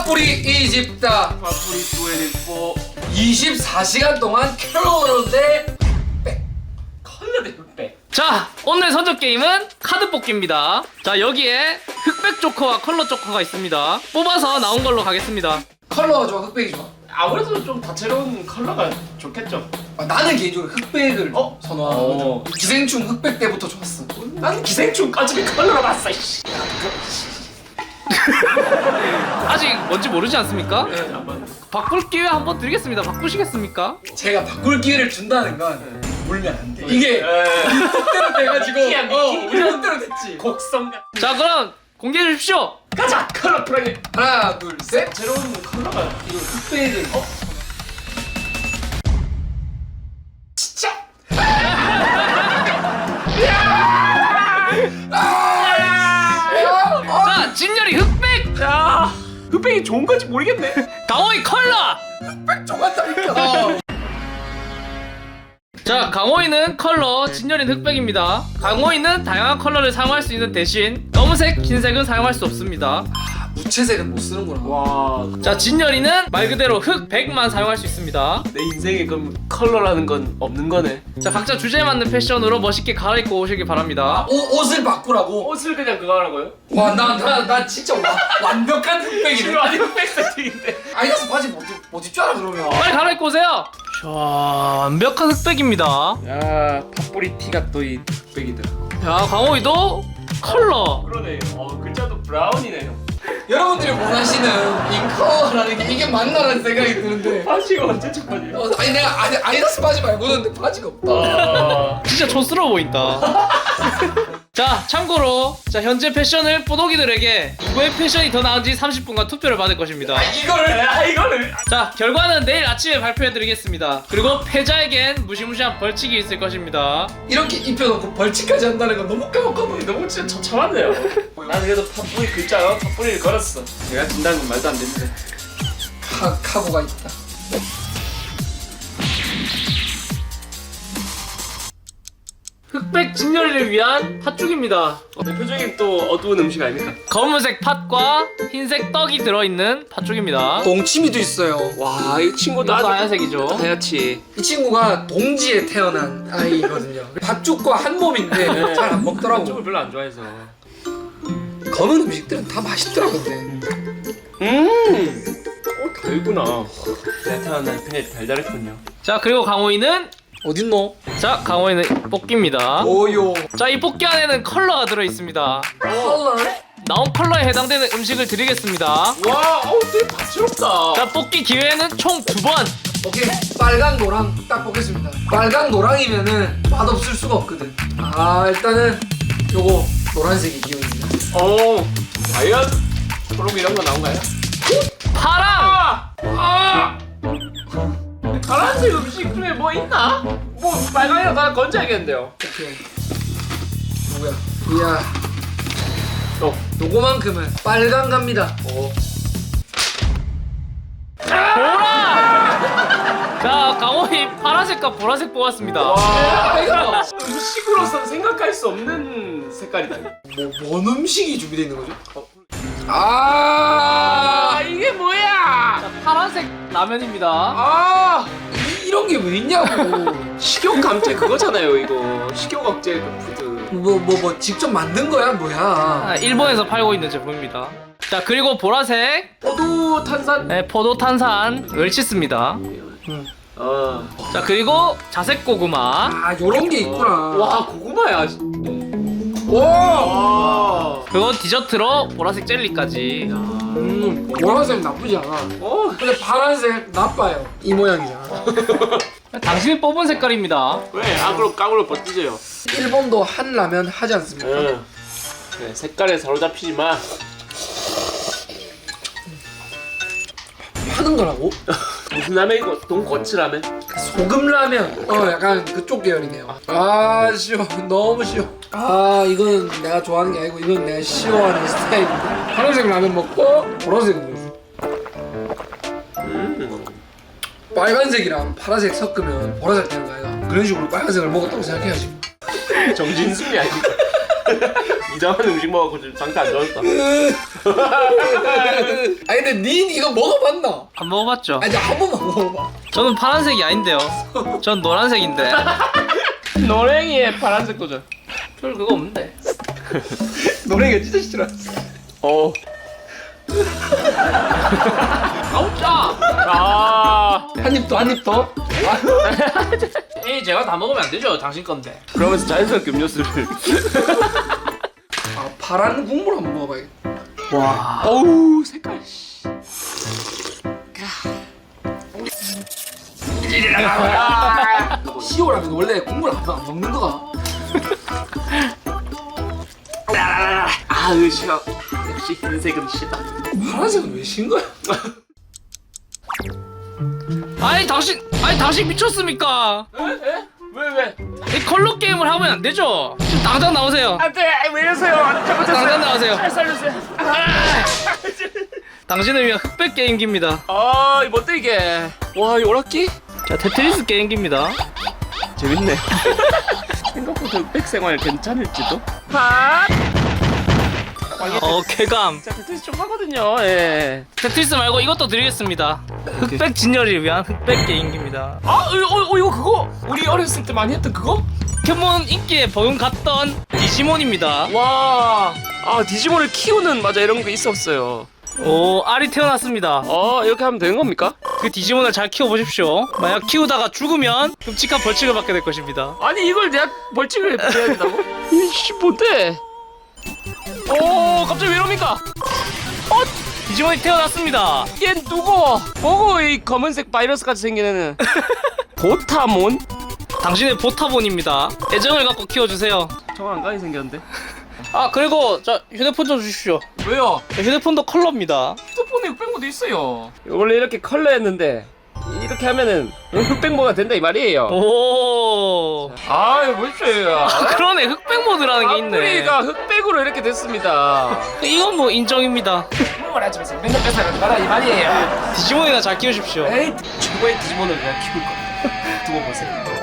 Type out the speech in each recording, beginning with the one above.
파뿌리 이집다 파뿌리 24 24시간 동안 컬러 대 컬러 대 흑백. 자, 오늘 선적 게임은 카드 뽑기입니다. 자, 여기에 흑백 조커와 컬러 조커가 있습니다. 뽑아서 나온 걸로 가겠습니다. 컬러가 좋아 흑백이 좋아? 아무래도 좀 다채로운 컬러가 좋겠죠. 나는 개인적으로 흑백을 선호하거든. 기생충 흑백 때부터 좋았어. 난 기생충까지 컬러로 봤어. 이씨. 아직 뭔지 모르지 않습니까? 네, 한번. 바꿀 기회 한번 드리겠습니다. 바꾸시겠습니까? 제가 바꿀 기회를 준다는 건 물면 안 돼. 이게 네. 뜻대로 돼가지고 미끼야, 미끼. 우리 뜻대로 됐지. 곡성 같은. 자, 그럼 공개해 주십시오. 가자. 컬러 프라이. 하나 둘 셋. 다채로운 컬러가 이거 흑백을 진짜. 자, 진열이 흑백, 자, 흑백이 좋은 건지 모르겠네. 강호이 컬러. 흑백 좋았다니까. 자, 강호이는 컬러, 진열이는 흑백입니다. 강호이는 다양한 컬러를 사용할 수 있는 대신 검은색, 흰색은 사용할 수 없습니다. 무채색은 못 쓰는구나. 와, 자, 진열이는 말 그대로 흑백만 사용할 수 있습니다. 내 인생에 그럼 컬러라는 건 없는 거네. 자, 각자 주제에 맞는 패션으로 멋있게 갈아입고 오시길 바랍니다. 옷을 바꾸라고? 옷을 그냥 그거 하라고요? 와, 나 진짜 완벽한 흑백이네. 지금 아니 흑백 세팅인데. 아이다스 바지 못 입줄 알아 그러면. 빨리 갈아입고 오세요. 자, 완벽한 흑백입니다. 야, 팥뿌리 티가 또 이 흑백이더라. 자, 강호이도 컬러. 그러네. 글자도 브라운이네요. 여러분들이 원하시는 이 컬러라는 게 이게 맞나라는 생각이 드는데. 바지가 언제 첫 바지야? 아니 내가 아이다스 바지 말고는 바지가 없다. 진짜 촌스러워 보인다. 자, 참고로 자, 현재 패션을 뽀독이들에게 누구의 패션이 더 나은지 30분간 투표를 받을 것입니다. 이거를. 자, 결과는 내일 아침에 발표해드리겠습니다. 그리고 패자에겐 무시무시한 벌칙이 있을 것입니다. 이렇게 입혀놓고 벌칙까지 한다는 건 너무 까먹어 보여. 너무 진짜 처참한데요. 나는 그래도 팥뿌리 글자로 팥뿌리를 걸었어. 내가 진다는 건 말도 안 되는데. 카고가 있다. 흑백 진열이를 위한 팥죽입니다. 대표적인 또 어두운 음식 아닙니까? 검은색 팥과 흰색 떡이 들어있는 팥죽입니다. 동치미도 있어요. 와, 이 친구도 이것도 하얀색이죠. 하얗지. 이 친구가 동지에 태어난 아이거든요. 팥죽과 한 몸인데 잘 안 먹더라고. 쪽을 별로 안 좋아해서. 검은 음식들은 다 맛있더라 근데. 달구나. 내가 태어난 편에 달달했군요. 자, 그리고 강호이는 어딨노? 자, 강호이는 뽑기입니다. 오요. 자, 이 뽑기 안에는 컬러가 들어있습니다. 컬러? 나온 컬러에 해당되는 음식을 드리겠습니다. 와, 되게 다채롭다. 자, 뽑기 기회는 총 2번. 오케이. 빨강 노랑 딱 보겠습니다. 빨강 노랑이면은 맛없을 수가 없거든. 일단은 요거 노란색이 기운입니다. 과연 초록 이런 거 나온가요? 파랑! 파란색 음식 중에 뭐 있나? 뭐 빨강이랑 다 건져야겠는데요. 오케이. 누구야? 이야. 요거만큼은 빨강 갑니다. 보라! 자, 강호이 파란색과 보라색 뽑았습니다. 와, 이거 음식으로서는 생각할 수 없는 색깔이다. 뭔 음식이 준비되어 있는 거죠? 이게 뭐야? 자, 파란색 라면입니다. 이런 게 왜 있냐고. 식욕 감퇴 그거잖아요, 이거. 식욕 억제 그 푸드. 뭐 직접 만든 거야 뭐야? 아, 일본에서 팔고 있는 제품입니다. 자, 그리고 보라색 포도 탄산. 네, 포도 탄산 웰치스입니다. 자, 그리고 자색 고구마. 요런 게 있구나. 와, 고구마야. 와. 그리고 디저트로 보라색 jelly까지. 보라색 나쁘지 않아. 근데 파란색 나빠요. 이 모양이잖아. 당신이 뽑은 색깔입니다. 왜? 악으로 깡으로 버티세요. 일본도 한라면 하지 않습니까? 네, 색깔에 사로잡히지 마. 하는 거라고? 무슨 라면이고? 돈코츠 라면? 소금 라면. 약간 그쪽 계열이네요. 쉬워. 너무 쉬워. 이건 내가 좋아하는 게 아니고 이건 내가 싫어하는 스타일인데. 파란색 라면 먹고 보라색은 뭐지? 빨간색이랑 파란색 섞으면 보라색 되는 거 아이가? 그런 식으로 빨간색을 먹었다고 생각해야지. 정진승이 아니고. 이상한 음식 먹어갖고 지금 상태 안 좋았다. 아니 근데 닌 이거 먹어봤나? 안 먹어봤죠? 아니 한 번만 먹어봐. 저는 파란색이 아닌데요. 전 노란색인데. 노랭이에 파란색 도전. 별 그거 없는데. 노래가 진짜 싫어. 아우 짜. 아. 한 입 더, 한 입 더. 에이 제가 다 먹으면 안 되죠. 당신 건데. 그러면서 자연스럽게 음료수를. 아 파란 국물 한번 먹어봐야겠다. 와. 어우 색깔. 시오라면 원래 국물 안 먹는 거가. 아으 싫어. 역시 흰색은 싫다. 파란색은 왜 신 거야? 아니 당신 미쳤습니까? 왜? 이 컬러 게임을 하면 안 되죠. 지금 당장 나오세요. 안돼 왜 이러세요? 당장 나오세요. 살려주세요. 당신을 위한 흑백 게임기입니다. 아 이거 뭔데 이게? 와 이 오락기? 자 테트리스 게임기입니다. 재밌네. 생각보다 흑백 생활 괜찮을지도. 아. 쾌감. 자 테트리스 좀 하거든요. 예. 테트리스 말고 이것도 드리겠습니다. 흑백 진열을 위한 흑백 게임기입니다. 이거 그거 우리 어렸을 때 많이 했던 그거? 포켓몬 인기에 버금 갔던 디지몬입니다. 와. 아 디지몬을 키우는 맞아 이런 거 있었어요. 오 알이 태어났습니다. 이렇게 하면 되는 겁니까? 그 디지몬을 잘 키워보십시오. 만약 키우다가 죽으면 끔찍한 벌칙을 받게 될 것입니다. 아니 이걸 내가 벌칙을 해야 된다고? 이씨 뭔데? 갑자기 왜 이럽니까? 디지몬이 태어났습니다. 얘 누구? 뭐고 이 검은색 바이러스 같이 생긴 애는? 보타몬? 당신의 보타본입니다. 애정을 갖고 키워주세요. 정말 안 가게 생겼는데? 아 그리고 저 휴대폰 좀 주십시오. 왜요? 휴대폰도 컬러입니다. 휴대폰에 흑백모드 있어요. 원래 이렇게 컬러였는데 이렇게 하면은 흑백모가 된다 이 말이에요. 오. 이거 보십시오. 그러네 흑백 모드라는 게 있네. 뿌리가 흑백으로 이렇게 됐습니다. 이건 뭐 인정입니다. 뭘 하지 마세요. 맨날 뺏어가지 마라 이 말이에요. 디지몬이나 잘 키우십시오. 에이 최고의 디지몬을 그냥 키울 겁니다. 두고 보세요.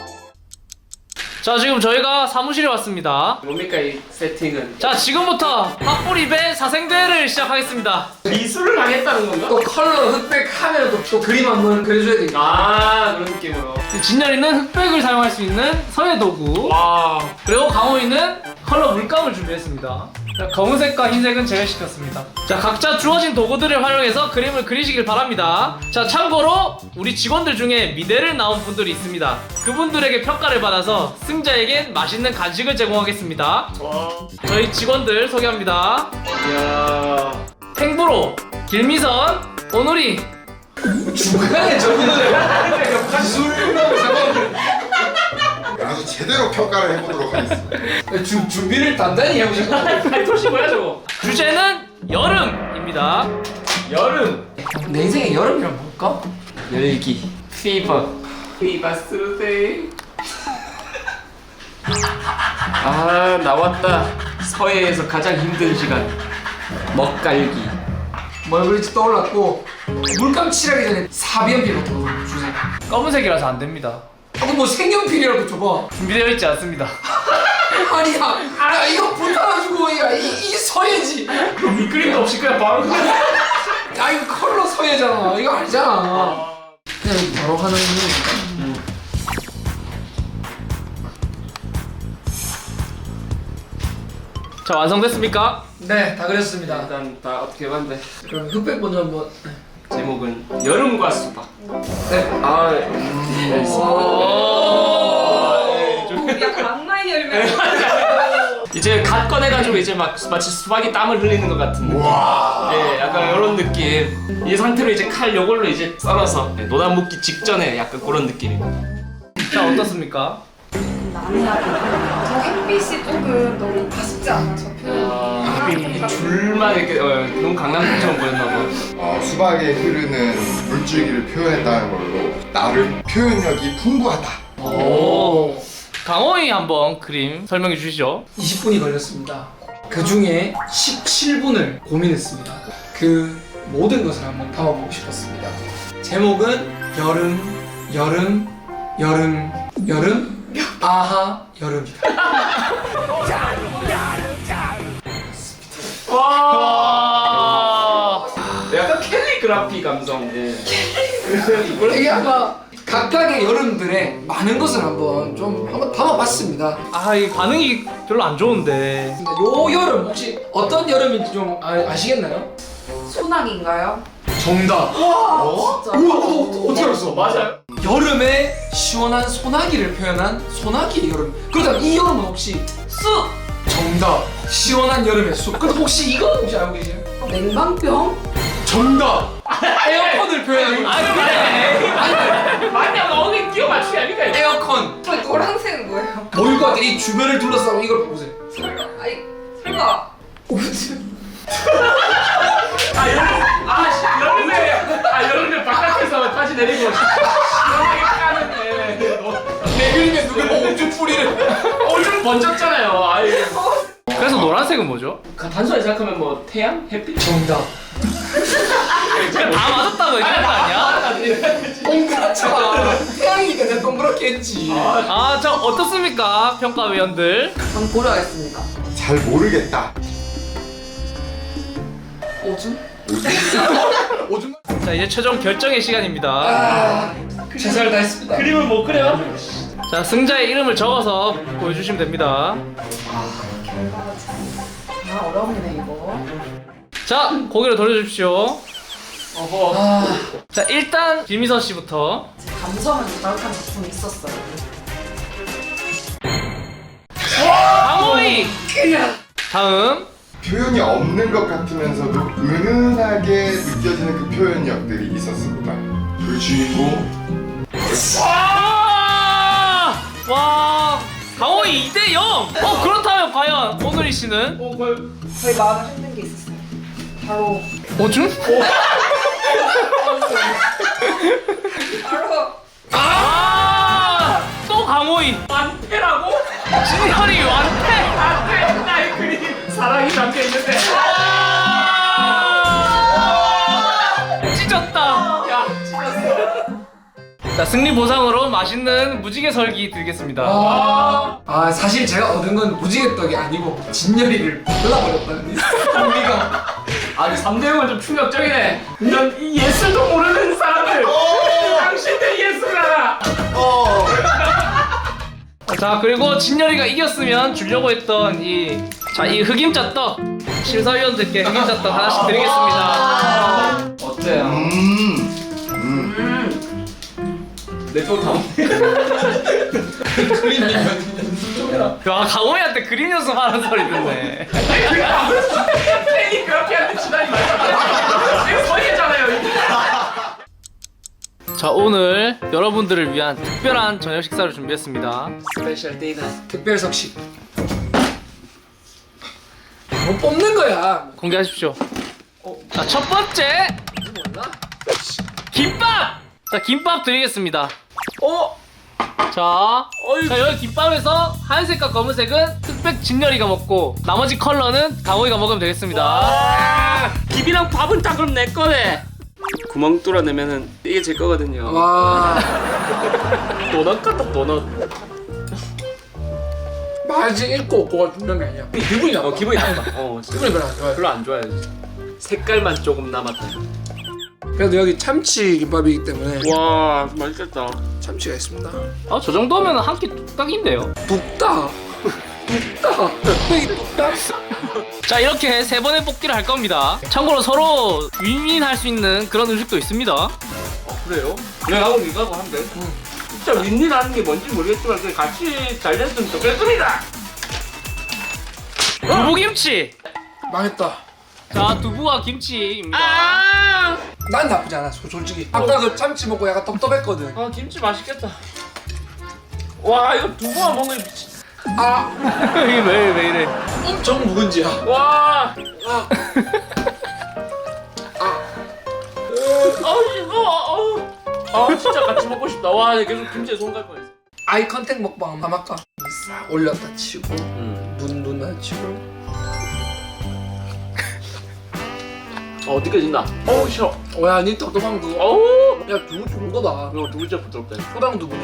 자 지금 저희가 사무실에 왔습니다. 뭡니까 이 세팅은? 자 지금부터 팝뿌리배 사생대회를 시작하겠습니다. 미술을 하겠다는 건가? 또 컬러 흑백 하면 또 그림 한번 그려줘야 되니까. 그런 느낌으로. 진열이는 흑백을 사용할 수 있는 서예 도구. 와. 그리고 강호이는 컬러 물감을 준비했습니다. 자, 검은색과 흰색은 제외시켰습니다. 자 각자 주어진 도구들을 활용해서 그림을 그리시길 바랍니다. 자 참고로 우리 직원들 중에 미대를 나온 분들이 있습니다. 그분들에게 평가를 받아서 승자에겐 맛있는 간식을 제공하겠습니다. 와. 저희 직원들 소개합니다. 야. 탱브로, 길미선, 오누리. 중간에 저기는 기술하고 상관없는. 아주 제대로 평가를 해보도록 하겠습니다. 준비를 단단히 해보시고. 팔토시 뭐야 저거? 주제는 여름입니다. 여름. 내 인생에 여름이란 뭘까? 열기. 피버. 피바스데이. 나왔다. 서해에서 가장 힘든 시간. 먹갈기. 뭘 그릴지 떠올랐고 물감 칠하기 전에 사비연필부터 주세요. 검은색이라서 안 됩니다. 그럼 뭐 색연필이라도 줘봐. 준비되어 있지 않습니다. 아니야, 야 이거 불타가지고 이 서예지. 그럼 밑그림도 없이 그냥 바로. 야 이거 컬러 서예잖아. 이거 알잖아. 그냥 바로 하는 거니까. 자 완성됐습니까? 네, 다 그렸습니다. 일단 다 어떻게 봤는데 그럼 흑백 먼저 한번. 제목은 여름과 수박. 네. 약간 악마의 열매. 이제 갓 꺼내가지고 이제 막 마치 수박이 땀을 흘리는 것 같은 느낌. 예, 약간 이런 느낌. 이 상태로 이제 칼 요걸로 이제 썰어서 노단 묶기 직전에 약간 그런 느낌입니다. 자 어떻습니까? 저 햇빛이 조금 너무 아쉽지 않아서 이 줄만 이렇게 너무 강남처럼 보였나 봐. 수박에 흐르는 물줄기를 표현했다는 걸로 나름 표현력이 풍부하다. 오. 강호이 한번 그림 설명해 주시죠. 20분이 걸렸습니다. 그 중에 17분을 고민했습니다. 그 모든 것을 한번 담아보고 싶었습니다. 제목은 여름, 여름, 여름, 여름, 아하, 여름이다. 와. 약간 캘리그라피 감성. 예. 이게 아마 각각의 여름들의 많은 것을 한번 담아봤습니다. 아, 이 반응이 별로 안 좋은데. 근데 요 여름 혹시 어떤 여름인지 좀 아시겠나요? 소나기인가요? 정답. 진짜. 어떻게 알았어? 맞아요. 여름에 시원한 소나기를 표현한 소나기의 여름. 그렇다면 이 여름은 혹시 쑥! 정답. 시원한 여름의 숲. 근데 혹시 이거 혹시 알고 계세요? 냉방병? 정답. 에어컨을 표현하는 아, 그래. 맞냐? 어디 끼워 맞추기 아닙니까? 이거? 에어컨. 노란색은 뭐예요? 뭐일 것 같아? 이 주변을 둘러싸고 이걸 보세요. 설마, 아니, 설마. 오줌. 여름에 바깥에서 바지 내리고 시원하게 까는 내 그림에 누가 오줌 뿌리를. 오줌 번졌잖아요. 아이. 그래서 노란색은 뭐죠? 단순하게 생각하면 뭐 태양, 햇빛. 정답. 그냥 다 맞았다고 얘기한 거 아니야? 동그랗잖아. 태양이니까 내가 동그랗게 했지. 아, 자, 어떻습니까? 평가위원들. 한번 고려하겠습니다. 잘 모르겠다. 오줌? 오줌. 자, 이제 최종 결정의 시간입니다. 최선을 다했습니다. 그림을 못 그려? 자, 승자의 이름을 적어서 보여주시면 됩니다. 결과가 참. 아, 어렵네, 이거. 자, 고개를 돌려주십시오. 어허. 자, 일단 김희서 씨부터. 제 감성을 자극한 작품이 있었어요. 강호이! 다음. 표현이 없는 것 같으면서도 은은하게 느껴지는 그 표현력들이 있었습니다. 그 주인공 와! 강호이 2대0! 그렇다면 과연 오늘이 씨는? 저희 마음을 흔든 게 있었어요. 바로, 오줌? 바로, 또 강호이! 완패라고? 진열이 완패! 안돼. 나의 그림 사랑이 담겨 있는데. 찢었다! 야, 찢었어. 자, 승리 보상으로 맛있는 무지개 설기 드리겠습니다. 사실 제가 얻은 건 무지개 떡이 아니고 진열이를 발라버렸다는 의미가. 아니 3대 0은 좀 충격적이네. 이런 이 예술도 모르는 사람들. 당신들 예술을 알아. 자, 그리고 진열이가 이겼으면 주려고 했던 이 흑임자 떡 심사위원들께 흑임자 떡 하나씩 드리겠습니다. 어때요? 내쪽 다. 그림이 좀 해라. 야, 강호이한테 그림 연습하는 소리 듣네. 팬이 그렇게 하는데 지난이 말이야. 지금 서있잖아요. 자, 오늘 여러분들을 위한 특별한 저녁 식사를 준비했습니다. 스페셜 데이다. 특별석식. 뭐 뽑는 거야. 공개하십시오. 자, 첫 번째 김밥! 자, 김밥 드리겠습니다. 자, 여기 김밥에서 하얀색과 검은색은 흑백 진열이가 먹고 나머지 컬러는 강호이가 먹으면 되겠습니다. 김이랑 밥은 다 그럼 내 거네. 구멍 뚫어내면은 이게 제 거거든요. 와. 도넛 같다 도넛. 맛이 있고 없고가 중요한 게 아니야. 기분이 나빠. 기분이 나빠. 기분이 별로 안 좋아요. 별로 안 좋아요. 색깔만 조금 남았다. 그래도 여기 참치 김밥이기 때문에 와 맛있겠다. 참치가 있습니다. 저 정도면 한 끼 뚝딱인데요. 뚝딱. 뚝딱. 뚝딱이 뚝딱. 자, 이렇게 세 번의 뽑기를 할 겁니다. 참고로 서로 윈윈할 수 있는 그런 음식도 있습니다. 그래요? 내가하고 니가하고 한대. 진짜 윈윈하는 게 뭔지 모르겠지만 그냥 같이 잘 됐으면 좋겠습니다. 두부김치. 망했다. 자, 두부와 김치입니다. 난 나쁘지 않아 솔직히. 아까 그 참치 먹고 약간 떡떡했거든. 아 김치 맛있겠다. 와 이거 두부만 먹으면 미치. 이게 왜 이래? 엄청 묵은지야. 와. 이거. 진짜 같이 먹고 싶다. 와 계속 김치에 손 갈 뻔했어. 아이 컨택 먹방 한번 할까? 싹 올렸다 치고 눈 맞추고. 느껴진다. 싫어. 야, 니 떡떡한 그거. 어우. 야, 두부 좋은 거다. 이거 두부째 부드럽다. 소당 두부네.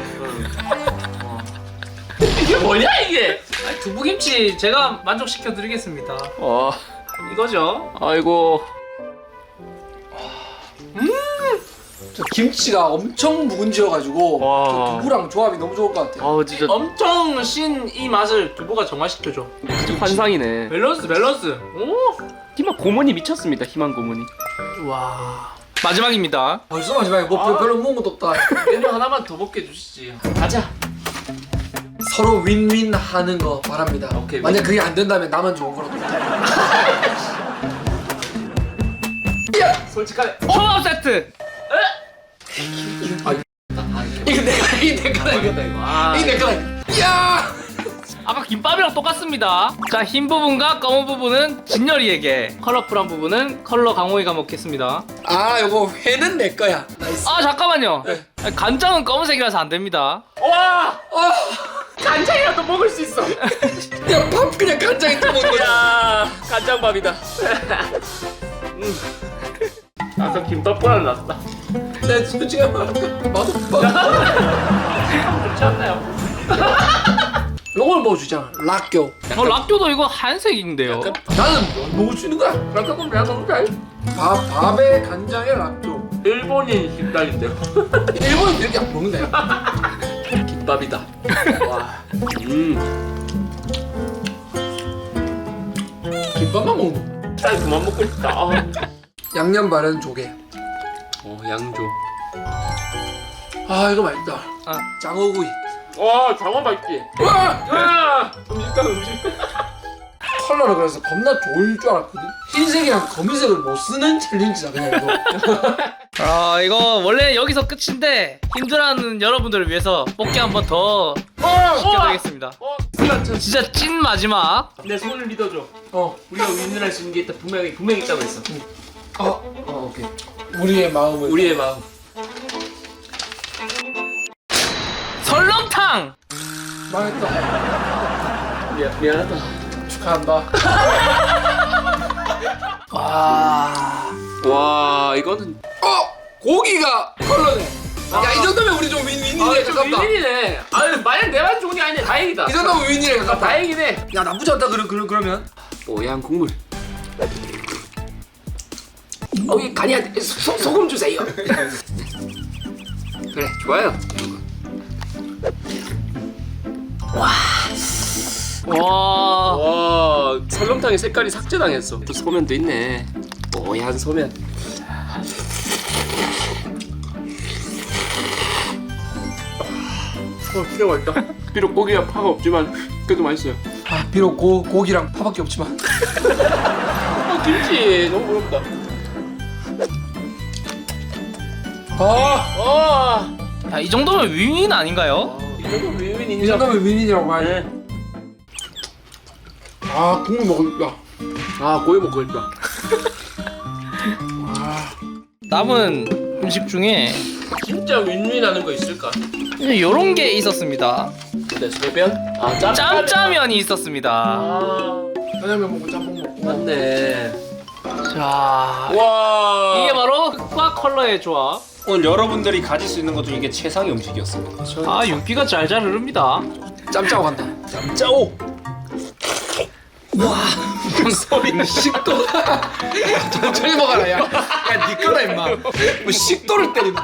이게 뭐냐 이게? 두부김치 제가 만족시켜 드리겠습니다. 이거죠. 아이고. 저 김치가 엄청 묵은지여가지고 와. 저 두부랑 조합이 너무 좋을 것 같아요. 진짜 엄청 신 이 맛을 두부가 정화시켜줘. 환상이네. 밸런스. 오. 희망 고문이 미쳤습니다. 희망 고문이. 와. 마지막입니다. 벌써 마지막에 뭐 별로 먹은 것도 없다. 메뉴 하나만 더 먹게 해주시지. 가자. 서로 윈윈 하는 거 바랍니다. 오케이, 만약 그게 안 된다면 나만 좋은 거라도. 솔직하게. 초밥 세트. 이거 내 거다 이거. 이거 내 거다. 야! 아까 김밥이랑 똑같습니다. 자, 흰 부분과 검은 부분은 진열이에게, 컬러풀한 부분은 컬러 강호이가 먹겠습니다. 아, 요거 회는 내 거야. 나이스. 아, 잠깐만요. 간장은 검은색이라서 안 됩니다. 와. 간장이라도 먹을 수 있어. 야, 밥 그냥 간장에 떠먹는 거야. 야, 간장밥이다. 나서 김밥보다 낫다. 내 솔직히 말할까? 맛없다. 좋지 않나요? 요걸 먹어주잖아. 락교. 락교도 이거 한색인데요. 나는 먹을 수 있는 거야. 락교는 내가 먹자. 밥에 간장에 락교. 일본인 식당인데요. 일본은 이렇게 안 먹는다. 김밥이다. 와. 김밥만 먹는 거. 쌀 그만 먹고 싶다. 양념 바른 조개. 양조. 아, 이거 맛있다. 아. 장어구이. 와, 장어 맛있지. 와. 음식. 컬러를 그래서 겁나 좋을 줄 알았거든. 흰색이랑 검은색을 못 쓰는 챌린지다 그냥 이거. 아, 이거 원래 여기서 끝인데 힘들어하는 여러분들을 위해서 뽑기 한 번 더 시켜드리겠습니다. 진짜 찐 마지막. 내 손을 믿어줘. 어. 우리가 윈윈할 수 있는 게 있다. 분명히 있다고 했어. 오케이. 우리의 마음을. 우리의 마음. 설렁탕. 망했다. 미안하다. 축하한다. 와, 이거는 고기가 컬러네. 야, 이 정도면 우리 좀 윈윈이네. 좀 가깝다. 윈윈이네. 아니, 만약 내만 좋은 게 아니네. 다행이다. 이 정도면 윈윈이네. 가깝다. 다행이네. 야, 나쁘지 않다. 그러면. 뽀얀 국물. 이 간이한테 소금 주세요. 그래, 좋아요. 와. 와, 설렁탕의 색깔이 삭제당했어. 또 소면도 있네. 뽀얀 소면. 진짜 맛있다. 비록 고기가 파가 없지만 그래도 맛있어요. 아, 비록 고기랑 파밖에 없지만. 김치 너무 부럽다. 야, 이 정도면 윈윈 아닌가요? 이 정도 윈윈 이 인정. 정도면 윈윈이라고 하지. 네. 아, 국물 먹을까? 고기 먹고 싶다. 남은 음식 중에 진짜 윈윈하는 거 있을까? 요런 게 있었습니다. 근데 소변? 짬짜면이 있었습니다. 짜장면 먹고 짬뽕 먹고. 맞네. 자, 와. 이게 바로 흑과 컬러의 조합. 오늘 여러분들이 가질 수 있는 것 중에 이게 최상의 음식이었습니다. 아, 윤기가 잘잘 흐릅니다. 짬짜고 간다. 짜오! 소리 식도가. 천천히 먹어라, 야. 야, 니 거다, 임마. 뭐 식도를 때리나.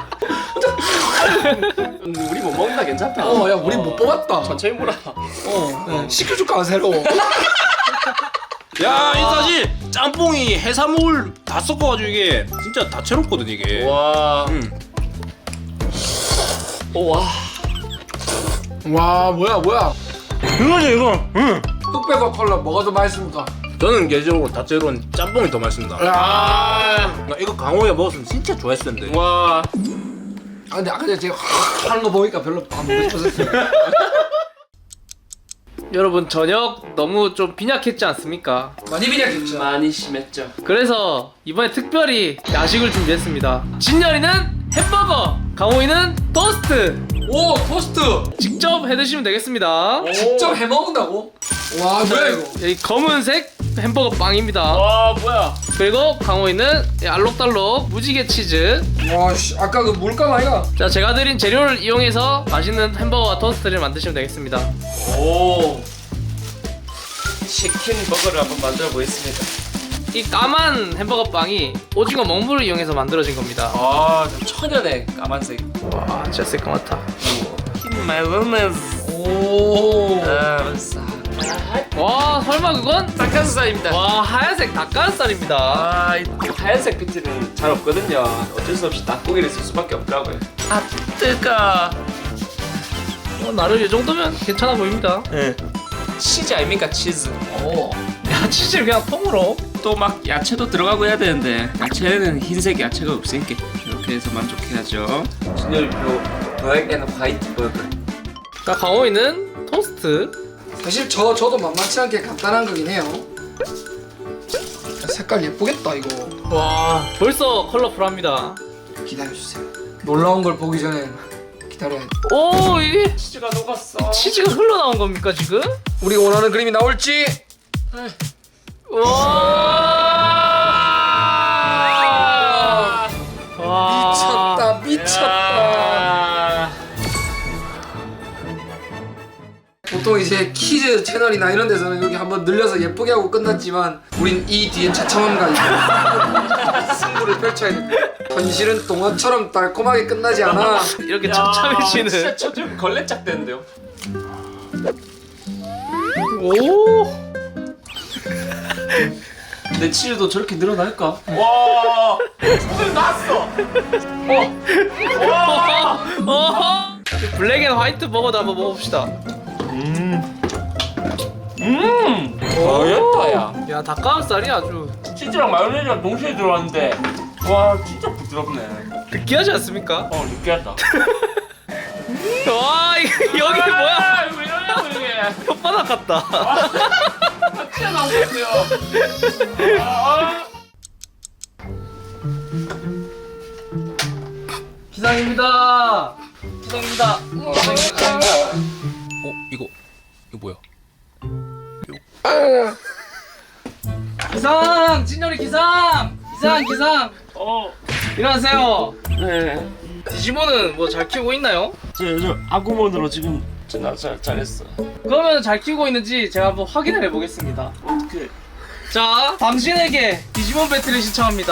우리 못 먹는다. 괜찮다. 야, 우리 못 뽑았다. 천천히 물어. 시켜줄까, 새로. 야, 이 사실 짬뽕이 해산물 다 섞어가지고 이게 진짜 다채롭거든 이게. 와. 와. 와, 뭐야. 이거지 이거. 흑백과 컬러 뭐가 더 맛있습니까? 저는 개인적으로 다채로운 짬뽕이 더 맛있습니다. 나 이거 강호에 먹었으면 진짜 좋아했을 텐데. 와. 아, 근데 아까 전에 제가 하는 거 보니까 별로 안 먹고 싶었어요. 여러분, 저녁 너무 좀 빈약했지 않습니까? 많이 비냐겠죠. 많이 심했죠. 그래서 이번에 특별히 야식을 준비했습니다. 진열이는 햄버거, 강호이는 토스트. 오, 토스트. 직접 해드시면 되겠습니다. 직접 해 먹는다고? 와, 뭐야 이거? 이 검은색 햄버거 빵입니다. 와, 뭐야? 그리고 강호이는 이 알록달록 무지개 치즈. 와, 씨, 아까 그 물감 아이가? 자, 제가 드린 재료를 이용해서 맛있는 햄버거와 토스트를 만드시면 되겠습니다. 오. 치킨 버거를 한번 만들어 보겠습니다. 이 까만 햄버거 빵이 오징어 먹물을 이용해서 만들어진 겁니다. 아, 천연의 까만색. 와, 진짜 새까맣다. My wellness. 오. 와, 설마 그건? 닭가슴살입니다. 와, 하얀색 닭가슴살입니다. 아, 이 하얀색 PT는 잘 없거든요. 어쩔 수 없이 닭고기를 쓸 수밖에 없더라고요. 아, 뜨거. 나름 이 정도면 괜찮아 보입니다. 네. 치즈 아닙니까, 치즈. 오. 야, 치즈를 그냥 통으로. 또 막 야채도 들어가고 해야 되는데 야채는 흰색 야채가 없으니까 이렇게 해서 만족해야죠. 진열표 블랙 앤 화이트 버거. 자, 강호이는 토스트. 사실 저도 만만치 않게 간단한 거긴 해요. 색깔 예쁘겠다 이거. 와, 벌써 컬러풀합니다. 기다려주세요. 놀라운 걸 보기 전엔 기다려야 돼. 오, 이게 치즈가 녹았어. 치즈가 흘러나온 겁니까 지금? 우리가 원하는 그림이 나올지. 와, 미쳤다. 보통 이제 키즈 채널이나 이런 데서는 여기 한번 늘려서 예쁘게 하고 끝났지만 우린 이 뒤에 처참함과 승부를 펼쳐야 돼. 현실은 동화처럼 달콤하게 끝나지 않아. 이렇게 진짜 참참해지는. 저 지금 걸레짝 되는데요. 오. 내 치즈도 저렇게 늘어날까? 와, 손을 났어. 블랙 앤 화이트 버거도 한번 먹어봅시다. 맛있다, 야. 야, 닭가슴살이 아주 치즈랑 마요네즈가 동시에 들어왔는데, 와, 진짜 부드럽네. 느끼하지 않습니까? 느끼하다. 와, 여기 뭐야? 아, 왜 이러냐고 이게. 혓바닥 같다. 튀어나오겠어요. 기상입니다. 기상입니다. 이거 뭐야? 기상! 진열이 기상! 기상! 일어나세요. 네. 디지몬은 뭐 잘 키우고 있나요? 저 아구몬으로 지금 잘했어. 그러면 잘 키우고 있는지 제가 한번 확인을 해보겠습니다. 어떻게? 자, 당신에게 디지몬 배틀을 신청합니다.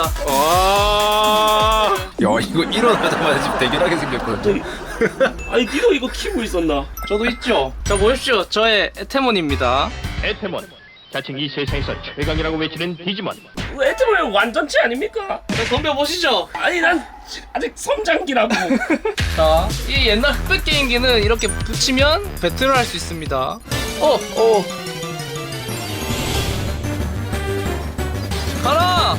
와. 야 이거 일어나자마자 지금 대결하게 생겼거든. 아니 니도 이거 키우고 있었나? 저도 있죠. 자, 보십시오. 저의 에테몬입니다. 에테몬, 자칭 이 세상에서 최강이라고 외치는 디지몬. 에트볼 완전체 아닙니까? 자, 덤벼보시죠. 아니 난 아직 성장기라고. 자, 이 옛날 흑백 게임기는 이렇게 붙이면 배틀을 할 수 있습니다. 가라!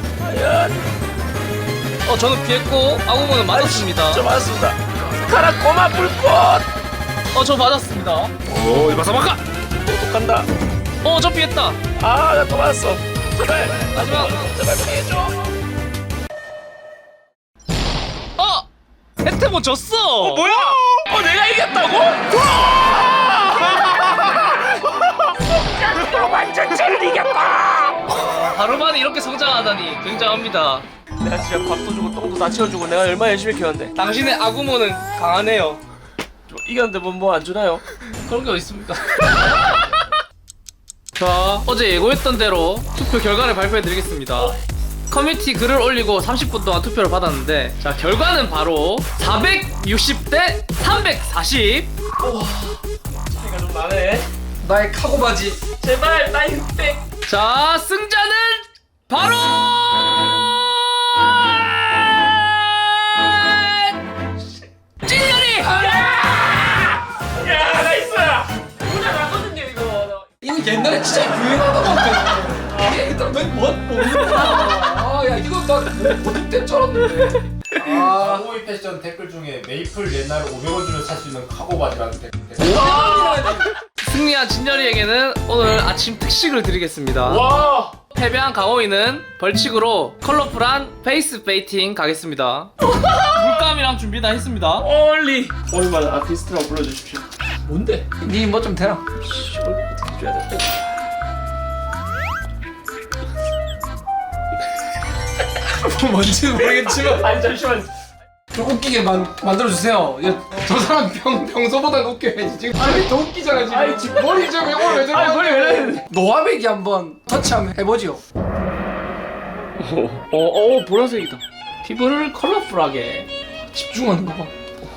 저는 피했고 아구몬은 맞았습니다. 저 맞습니다. 가라 꼬마 불꽃. 저 맞았습니다. 오 이거 바사바카. 간다. 저 피했다. 아 나 또 맞았어. 제발 마지막. 제발 피해줘. 에테몬 졌어. 뭐야? 내가 이겼다고? 성장기로 완전체를 이겼다. 하루 만에 이렇게 성장하다니 굉장합니다. 내가 진짜 밥도 주고 똥도 다 채워주고 내가 얼마나 열심히 키웠는데 당신의 아구몬은 강하네요. 이겼는데 뭐 안 주나요? 그런 게 어딨습니까? 자, 어제 예고했던 대로 투표 결과를 발표해드리겠습니다. 커뮤니티 글을 올리고 30분 동안 투표를 받았는데, 자, 결과는 바로 460대 340. 차이가 좀 나네. 나의 카고 바지. 제발 나 흑백. 자, 승자는 바로 찐열이. 야 나이스. 누구나 나거든요 이거. 이거 옛날에 진짜 유행하던 건데. 얘들아 너희 뭐 먹는 거야? 야 이거 나 어디 때 줄 알았는데. 카고이 패션 댓글 중에 메이플 옛날 500원 주면 살 수 있는 카고 바지라는 댓글. 승리한 진열이에게는 오늘 아침 특식을 드리겠습니다. 와. 패배한 강호이는 벌칙으로 컬러풀한 페이스 페이팅 가겠습니다. 물감이랑 준비 다 했습니다. 얼리. 얼마나 아티스트라고 불러주십시오. 뭔데? 니 뭐 좀 대라. 어떻게 줘야 돼? 뭔지 모르겠지만 아니 잠시만. 좀 웃기게 만들어주세요. 저 사람 평소보다 웃겨야지. 지금 아니 더 웃기잖아 지금. 머리 좀 오늘 왜 저래? 아니 머리 왜 이래? 노화배기 한번 터치 한번 해보지요. 보라색이다. 피부를 컬러풀하게. 집중하는 거 봐.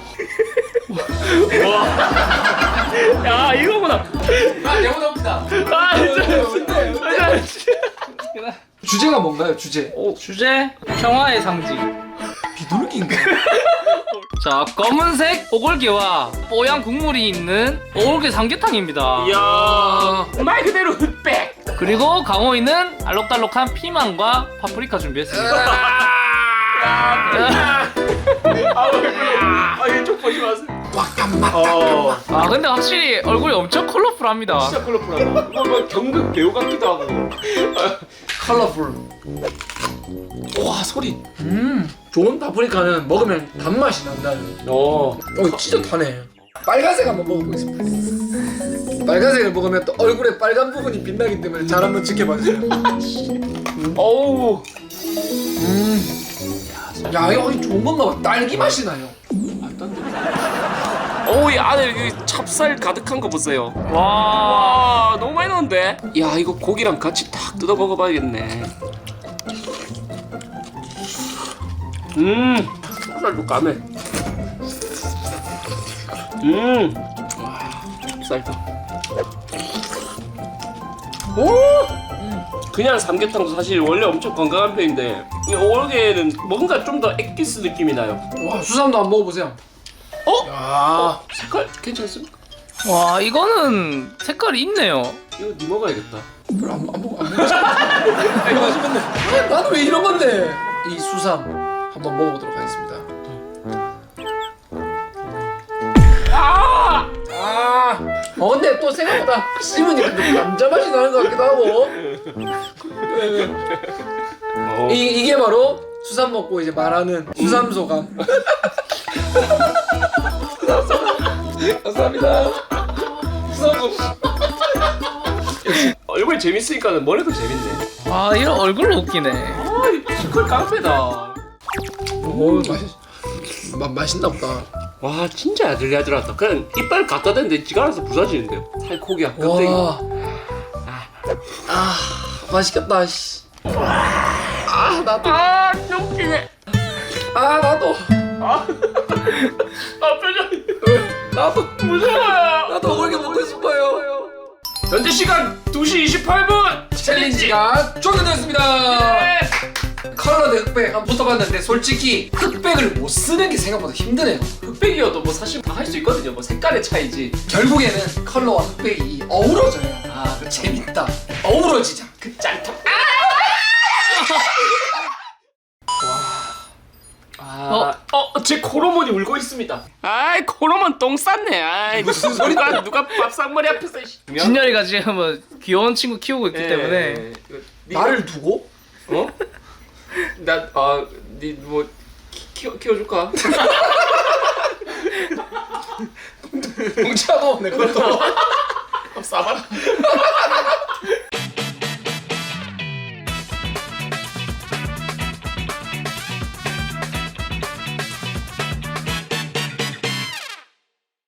야 이거구나. 아 내보다 웃기다. 아 진짜. 주제가 뭔가요? 주제. 주제 평화의 상징. 비둘기인가? 자, 검은색 오골개와 뽀얀 국물이 있는 오골개 삼계탕입니다. 이야 말 그대로 흑백. 그리고 강호이는 알록달록한 피망과 파프리카 준비했습니다. 이쪽 보지 마세요. 아, 근데 확실히 얼굴이 엄청 컬러풀합니다. 진짜 컬러풀하다. 뭐 경극 배우 같기도 하고. 컬러풀. 와 소리. 좋은 파프리카는 먹으면 단맛이 난다는. 진짜 타네. 빨간색 한번 먹어보겠습니다. 빨간색을 먹으면 또 얼굴에 빨간 부분이 빛나기 때문에 잘 한번 지켜봐주세요. 어우. 야 이거 좋은 건가 봐. 딸기 맛이 나요. 어우 이 안에 여기 찹쌀 가득한 거 보세요. 와. 와 너무 많이 넣었는데? 야 이거 고기랑 같이 딱 뜯어 먹어봐야겠네. 찹쌀도 까매. 찹쌀도. 오! 그냥 삼계탕도 사실 원래 엄청 건강한 편인데 이 오골개는 뭔가 좀 더 엑기스 느낌이 나요. 와 수삼도 한번 먹어보세요. 색깔 괜찮습니까? 와, 이거는 색깔이 있네요. 이거 니 먹어야겠다. 그럼 안 먹어. 이거 맛있겠네. 나는 왜 이런 건데? 이 수삼 한번 먹어보도록 하겠습니다. 근데 또 생각보다 씹으니까 좀 남자 맛이 나는 것 같기도 하고. 이게 바로 수삼 먹고 이제 말하는 수삼 소감. 감사합니다. 수삼 소감. 얼굴 재밌으니까 머리도 재밌네. 와, 이런 얼굴로 웃기네. 이 피지컬 깡패다. 오 맛있나 보다. 와 진짜 야들야들하다. 그냥 이빨 갖다 대는데 지가 알아서 부서지는데요. 살코기야 껍데기. 와. 맛있겠다. 씨. 나도. 똥기네. 나도. 표정. 나도. 무서워요. 나도 오골개 먹고 싶어요. 현재 시간 2시 28분. 챌린지가 종료되었습니다. 네. 컬러 대 흑백 한번 붙어봤는데 솔직히 흑백을 못 쓰는 게 생각보다 힘드네요. 흑백이어도 뭐 사실 다 할 수 있거든요. 뭐 색깔의 차이지. 결국에는 컬러와 흑백이 어우러져요. 재밌다. 어우러지자. 그 짠탕. 제 코로몬이 울고 있습니다. 아이 코로몬 똥 쌌네. 아이 무슨 소리가 누가 밥상머리 앞에서. 진열이가 지금 뭐 귀여운 친구 키우고 있기 예, 때문에. 나를 두고? 니뭐 키워줄까? 동치하고 내 것도. 싸봐라.